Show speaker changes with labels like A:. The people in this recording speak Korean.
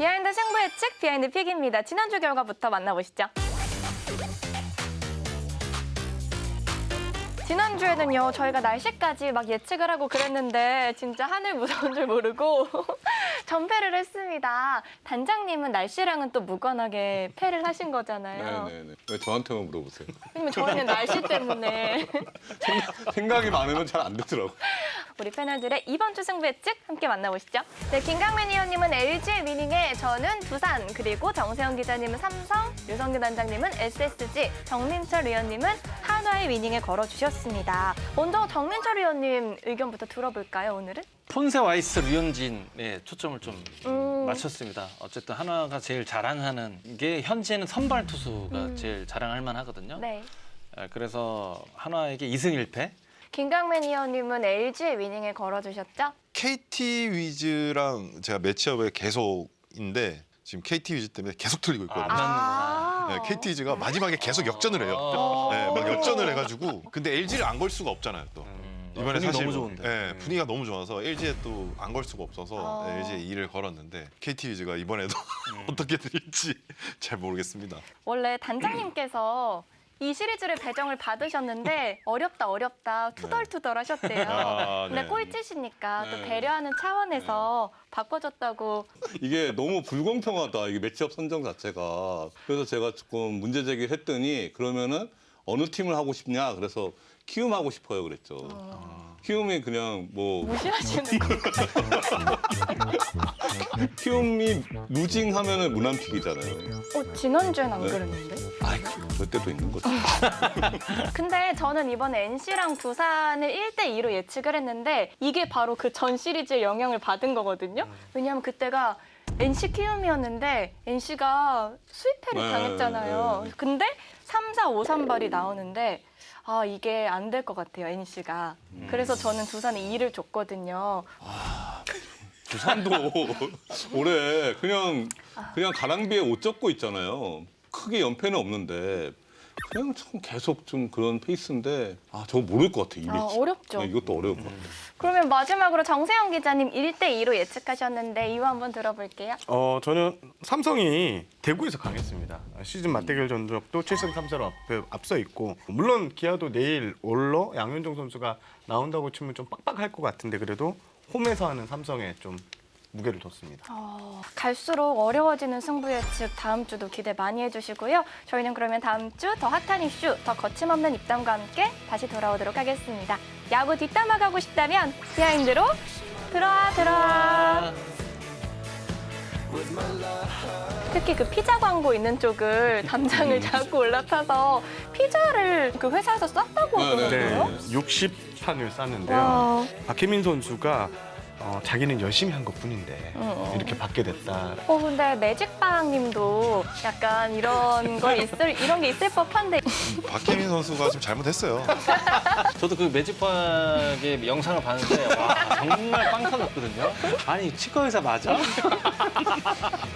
A: 비하인드 승부 예측 비하인드 픽입니다. 지난주 결과부터 만나보시죠. 지난주에는요, 저희가 날씨까지 막 예측을 하고 그랬는데 진짜 하늘 무서운 줄 모르고 전패를 했습니다. 단장님은 날씨랑은 또 무관하게 패를 하신 거잖아요.
B: 네네네. 왜 저한테만 물어보세요?
A: 왜냐면 저희는 날씨 때문에.
B: 생각이 많으면 잘 안 되더라고요.
A: 우리 패널들의 이번 주 승부 예측 함께 만나보시죠. 네, 김강민 의원님은 LG의 위닝에 저는 두산, 그리고 정세영 기자님은 삼성, 유성규 단장님은 SSG, 정민철 의원님은 한화의 위닝에 걸어주셨습니다. 먼저 정민철 의원님 의견부터 들어볼까요, 오늘은?
C: 폰세 와이스 류현진에 초점을 좀 맞췄습니다. 어쨌든 한화가 제일 자랑하는 게 현재는 선발 투수가 제일 자랑할 만하거든요.
A: 네.
C: 그래서 한화에게 2승 1패.
A: 김강민 의원님은 LG의 위닝에 걸어주셨죠?
D: KT 위즈랑 제가 매치업에 계속인데 지금 KT 위즈 때문에 계속 틀리고 있거든요.
C: 맞는구나.
D: 네, KT 위즈가 마지막에 계속 역전을 해요. 네, 막 역전을 해가지고 근데 LG를 안 걸 수가 없잖아요 또. 이번에
C: 분위기
D: 사실
C: 너무 좋은데.
D: 네, 분위기가 너무 좋아서 LG에 또 안 걸 수가 없어서 LG에 2를 걸었는데 KT 위즈가 이번에도 어떻게 될지 잘 모르겠습니다.
A: 원래 단장님께서 이 시리즈를 배정을 받으셨는데 어렵다 투덜투덜 하셨대요.
D: 아,
A: 근데
D: 네.
A: 꼴찌시니까 또
B: 네.
A: 배려하는 차원에서 바꿔줬다고.
B: 이게 너무 불공평하다. 이게 매치업 선정 자체가. 그래서 제가 조금 문제 제기를 했더니 그러면은 어느 팀을 하고 싶냐. 그래서 키움 하고 싶어요. 그랬죠. 키움이 그냥 뭐
A: 무시하시는 거.
B: 키움이 루징하면은 무난픽이잖아요.
A: 지난주엔 안 그랬는데?
B: 아이고 그때도 있는 거죠.
A: 근데 저는 이번에 NC랑 두산을 1대2로 예측을 했는데 이게 바로 그 전 시리즈의 영향을 받은 거거든요. 왜냐하면 그때가 NC 키움이었는데 NC가 수입패를
B: 네,
A: 당했잖아요.
B: 네.
A: 근데 3, 4, 5, 3발이 나오는데 이게 안 될 것 같아요, NC가. 그래서 저는 두산에 2를 줬거든요.
B: 두산도 올해 그냥 가랑비에 옷 젖고 있잖아요. 크게 연패는 없는데 그냥 참 계속 좀 그런 페이스인데 저거 모를 것 같아. 이 매치.
A: 어렵죠.
B: 네, 이것도 어려울 것 같아.
A: 그러면 마지막으로 정세영 기자님 1대2로 예측하셨는데 이유 한번 들어볼게요.
E: 저는 삼성이 대구에서 강했습니다. 시즌 맞대결 전적도 7승 3패로 앞서 있고 물론 기아도 내일 올러 양현종 선수가 나온다고 치면 좀 빡빡할 것 같은데 그래도 홈에서 하는 삼성에 좀 무게를 뒀습니다.
A: 갈수록 어려워지는 승부 예측 다음 주도 기대 많이 해주시고요. 저희는 그러면 다음 주 더 핫한 이슈, 더 거침없는 입담과 함께 다시 돌아오도록 하겠습니다. 야구 뒷담화 가고 싶다면 비하인드로 들어와. 특히 그 피자 광고 있는 쪽을 담장을 자꾸 올라타서 피자를 그 회사에서 쌌다고 하더라고요.
E: 네, 60판을 쌌는데요.
A: 와.
E: 박혜민 선수가 자기는 열심히 한 것뿐인데 이렇게 받게 됐다.
A: 근데 매직빵님도 약간 이런 게 있을 법한데.
D: 박혜민 선수가 좀 잘못했어요.
C: 저도 그 매직박의 영상을 봤는데 와, 정말 빵 터졌거든요. 아니 치과 의사 맞아?